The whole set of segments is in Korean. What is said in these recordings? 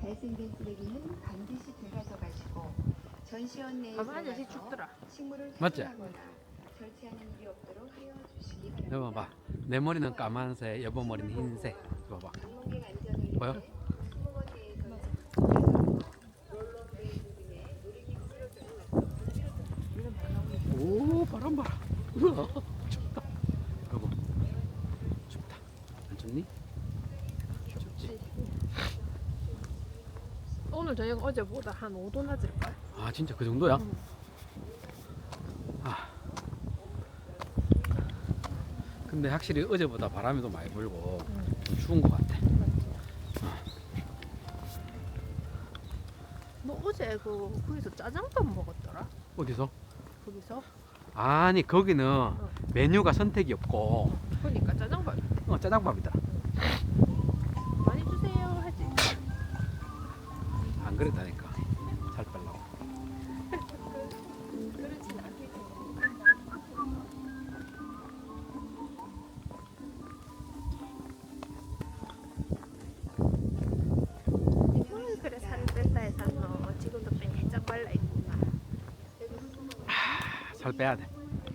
발생된 쓰레기는 반드시 되가져가시고 전시원 내에 아저씨 춥더라. 식물을 맞지? 퇴비하거나 절취하는 일이 없도록 하여 주시기 바랍니다. 여보 봐. 내 머리는 까만색, 여보 머리는 흰색. 이거 봐. 방문객 안전을 보여? 위해 수목원 내에서는 롤러브레이드 등의 놀이기구를 오, 바람 봐라. 우와, 춥다. 여보, 춥다. 안 춥니? 춥지? 오늘 저녁 어제보다 한 5도 낮을걸? 아, 진짜 그 정도야? 아. 근데 확실히 어제보다 바람이 더 많이 불고 좀 추운 것 같아. 너 어제 거기서 짜장밥 먹었더라? 어디서? 거기서? 아니, 거기는 메뉴가 선택이 없고 그러니까 짜장밥 짜장밥이더라. 많이 주세요 하지. 안 그랬다니까. 살 빼려고. 그렇진 않겠지. 그래 살을 뺐다 해서 너 지금도 빼짝 발라 있구나. 살 빼야 돼.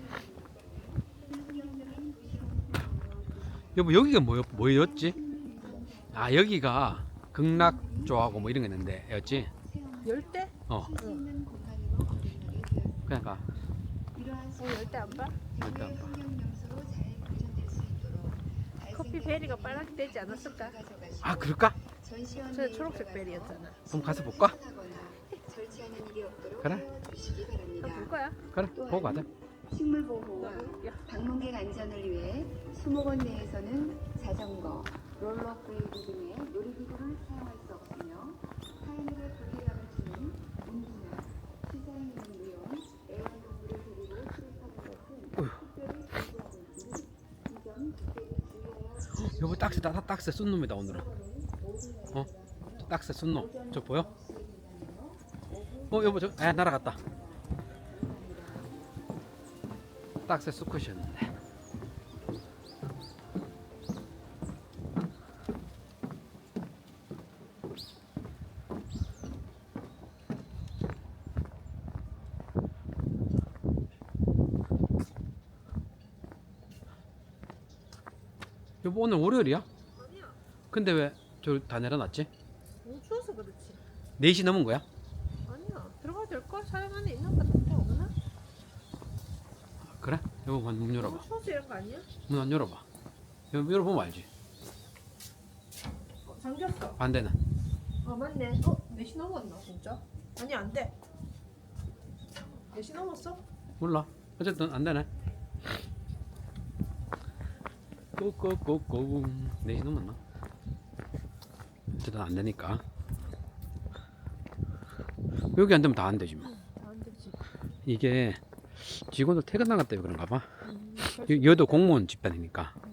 여보, 여기가 뭐였지? 아, 여기가 극락조하고 뭐 이런 게 있는데 였지? 열대? 어, 있는 공간으로 거듭나게 되었습니다. 그러니까 열대 안 봐? 일단 봐. 환경명소로 잘 보존될 수 있도록 커피 베리가 빨갛게 되지 않았을까? 아, 그럴까? 전시원 저 내에 초록색 들어가서 베리였잖아. 그럼 가서 볼까? 퇴비하거나 절취하는 일이 없도록 그래. 하여 주시기 바랍니다. 볼 거야? 그래, 보고 가자. 식물 보호와 야, 방문객 안전을 위해 수목원 내에서는 자전거, 롤러브레이드 등의 놀이기구를 사용할 수 없으며 타인에게 불쾌감을 주는 운동이나 시사에 있는 무용, 애완동물을 데리고 출입하는 것은 특별히 금지하고 있으니 이 점 특별히 주의하여 여보, 딱새 쏜 놈이다 오늘은. 어? 저 딱새 쏜 놈. 저 보여? 여보, 날아갔다. 딱새 수컷이었는데. 여보, 오늘 월요일이야? 아니야. 근데 왜 저 다 내려놨지? 너무 추워서 그렇지. 4시 넘은 거야? 아니야. 들어가도 될걸? 사람 안에 있는 것 같은데 없나? 그래? 여보, 문 열어봐. 너무 추워서 이런 거 아니야? 문 안 열어봐. 열어보면 알지. 잠겼어. 반대는. 아 맞네. 4시 넘었나 진짜? 아니 안 돼. 4시 넘었어? 몰라. 어쨌든 안 되네. 꼬꼬꼬꼬. 4시 넘었나? 어쨌든 안 되니까. 여기 안 되면 다 안 되지 뭐. 안 되지. 이게 직원들 퇴근 나갔다 그런가 봐. 여도 공무원 집단이니까.